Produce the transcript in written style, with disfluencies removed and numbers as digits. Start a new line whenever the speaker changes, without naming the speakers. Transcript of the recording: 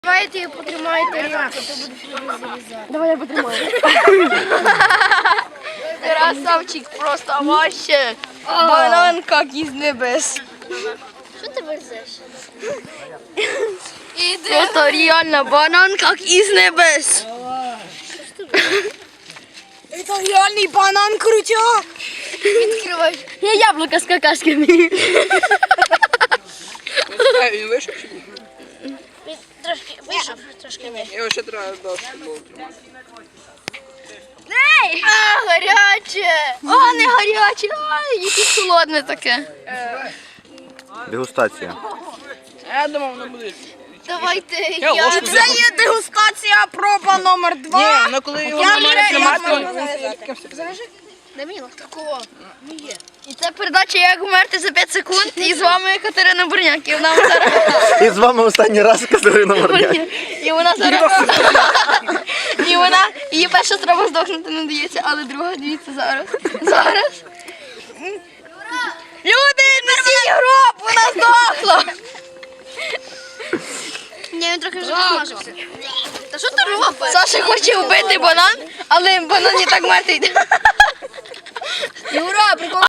Давайте потримайте рюмку, то будеш зарізати.
Давай я потримаю.
Красавчик, просто вообще. Банан как из небес.
Що ти верзеш?
Просто реально банан как из небес.
Это реальный банан крутяк.
Відкривай.
Я яблуко с какашками.
Він вийшов чи ні?
Він трошки вийшов, трошки ні.
Його ще треба до футболу.
А, гаряче. А, не гаряче. А, якесь холодне таке.
Дегустація.
Я думав, воно буде.
Давайте
Я ложку
Це є дегустація проба номер 2.
Ні, ну коли його нормально тримати, то
Дай мені лавку. Такого. Не є.
І це передача «Як вмерти за 5 секунд». І з вами Катерина Бурняк. І вона зараз...
І з вами останній раз Катерина Морняк.
І вона зараз... І вона... Її перша спроба здохнути не дається, але друга, дивіться, зараз. Зараз. Люди, несіть гроб, вона здохла.
Ні, він трохи вже посмажився. Та що ти робиш?
Саша хоче вбити банан, але банан не так мертвий.
Юра, прикол.